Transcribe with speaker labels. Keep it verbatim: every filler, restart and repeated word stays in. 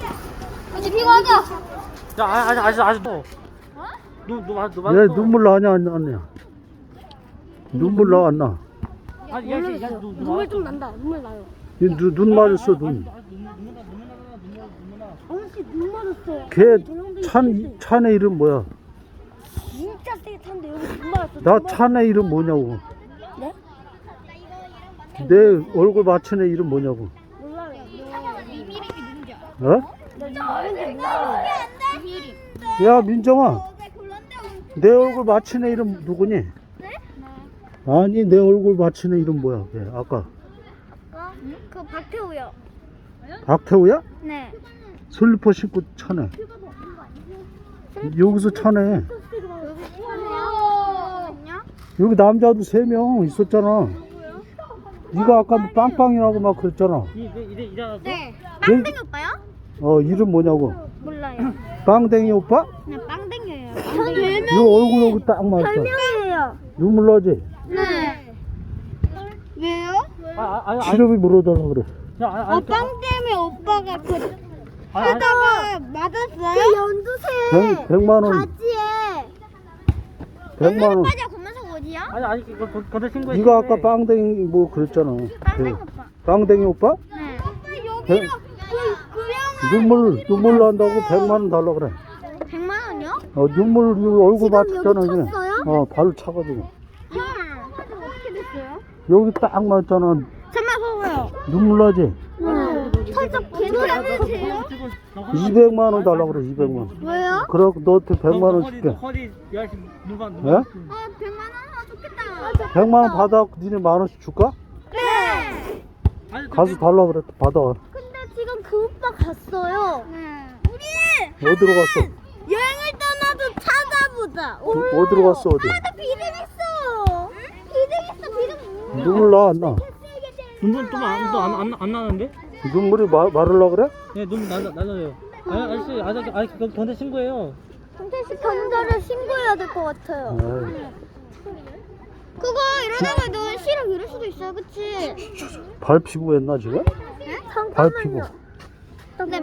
Speaker 1: 이제 피고하자.
Speaker 2: 야, 아직 아직 아직 너. 눈, 눈, 눈, 눈,
Speaker 3: 얘 눈물 나냐 안 나냐? 눈물 나 안 나?
Speaker 2: 아니, 야, 야, 야, 눈, 눈,
Speaker 1: 눈물 좀 난다. 눈물 나요.
Speaker 3: 얘 눈, 눈 맞았어 눈.
Speaker 1: 아저씨 눈 맞았어요.
Speaker 3: 걔 찬, 찬의 이름 뭐야?
Speaker 1: 진짜 세게 탔는데 여기 눈 맞았어.
Speaker 3: 나 찬의 이름 뭐냐고.
Speaker 1: 네?
Speaker 3: 내 얼굴 맞춘 애 이름 뭐냐고.
Speaker 1: 몰라요. 이미림이 누군지 알아?
Speaker 3: 어?
Speaker 1: 나 누군지 몰라요. 이미림.
Speaker 3: 야 민정아, 내 얼굴 맞춘 애 이름 누구니? 아니 내 얼굴 맞춘 애 이름 뭐야? 걔 아까
Speaker 1: 그 박태우요.
Speaker 3: 박태우야?
Speaker 1: 네.
Speaker 3: 슬리퍼 신고 차네. 여기서 차네. 여기 남자도 세 명 있었잖아. 네가 아까 빵빵이라고 막 그랬잖아.
Speaker 2: 이제 이제 이제 알았어?
Speaker 1: 네.
Speaker 3: 걔-
Speaker 1: 빵댕이 오빠요?
Speaker 3: 어 이름 뭐냐고.
Speaker 1: 몰라요.
Speaker 3: 빵댕이 오빠?
Speaker 1: 그냥 빵댕이에요. 전 별명.
Speaker 3: 이 얼굴 여기 딱 맞았어.
Speaker 1: 별명이에요.
Speaker 3: 눈물 나지?
Speaker 1: 네. 왜요?
Speaker 2: 아, 아, 아니, 아니,
Speaker 3: 시럽이 물어달라 그래.
Speaker 2: 야, 아니,
Speaker 1: 어,
Speaker 2: 아니,
Speaker 1: 빵 때문에 오빠가 그
Speaker 2: 아니, 아니,
Speaker 1: 하다가 맞았어요? 그 연두색
Speaker 3: 백, 백만 원,
Speaker 1: 바지에
Speaker 3: 백만 원.
Speaker 1: 바지가 검은색 어디야?
Speaker 2: 아니, 아니, 이거 거- 거기다 신고해.
Speaker 3: 네가 아까 빵댕이 뭐 그랬잖아.
Speaker 1: 빵댕이
Speaker 3: 그,
Speaker 1: 오빠.
Speaker 3: 빵댕이 오빠?
Speaker 1: 네. 오빠
Speaker 3: 백,
Speaker 1: 여기로 그 그냥
Speaker 3: 눈물 눈물 난다고 백만 원 달라 그래.
Speaker 1: 백만 원이요?
Speaker 3: 어 눈물 이거 얼굴
Speaker 1: 지금
Speaker 3: 맞췄잖아
Speaker 1: 여기
Speaker 3: 이게.
Speaker 1: 쳤어요?
Speaker 3: 어 발로 차가지고.
Speaker 1: 헐. 어떻게 됐어요?
Speaker 3: 여기 딱 맞잖아.
Speaker 1: 잠만 봐봐요.
Speaker 3: 눈물 나지?
Speaker 1: 네. 살짝 괜찮으세요?
Speaker 3: 이백만 원 달라 그래 이백만 원.
Speaker 1: 왜요?
Speaker 3: 그럼 너한테 백만 원 줄게.
Speaker 2: 허리 열심히 눈만
Speaker 3: 예?
Speaker 2: 눈만.
Speaker 1: 아 백만 원 하나 좋겠다.
Speaker 3: 백만 원 받아 니네 만 원씩 줄까?
Speaker 1: 네.
Speaker 2: 아니,
Speaker 3: 가서 달라 그래 받아.
Speaker 1: 근데 지금 그 오빠 갔어요. 네. 우리
Speaker 3: 어디로 갔어?
Speaker 1: 여행을 떠나도 찾아보자.
Speaker 3: 어, 어디로 갔어 어디?
Speaker 1: 나 비등했어. 비등했어. 비등.
Speaker 3: 눈물 나 안 나?
Speaker 2: 눈물 또안또안안 안 나는데?
Speaker 3: 눈물이 마, 마르려 그래?
Speaker 2: 네, 눈물 나 나요. 아니, 아저씨, 아저씨, 아니, 거기 전대 신고해요.
Speaker 1: 경찰에 신고해야 될 것 같아요.
Speaker 3: 에이,
Speaker 1: 그거 이러다가 너 실력 잃을 수도 있어요, 그치?
Speaker 3: 발 피부했나 지금?
Speaker 1: 네?
Speaker 3: 발 피부.
Speaker 1: 근데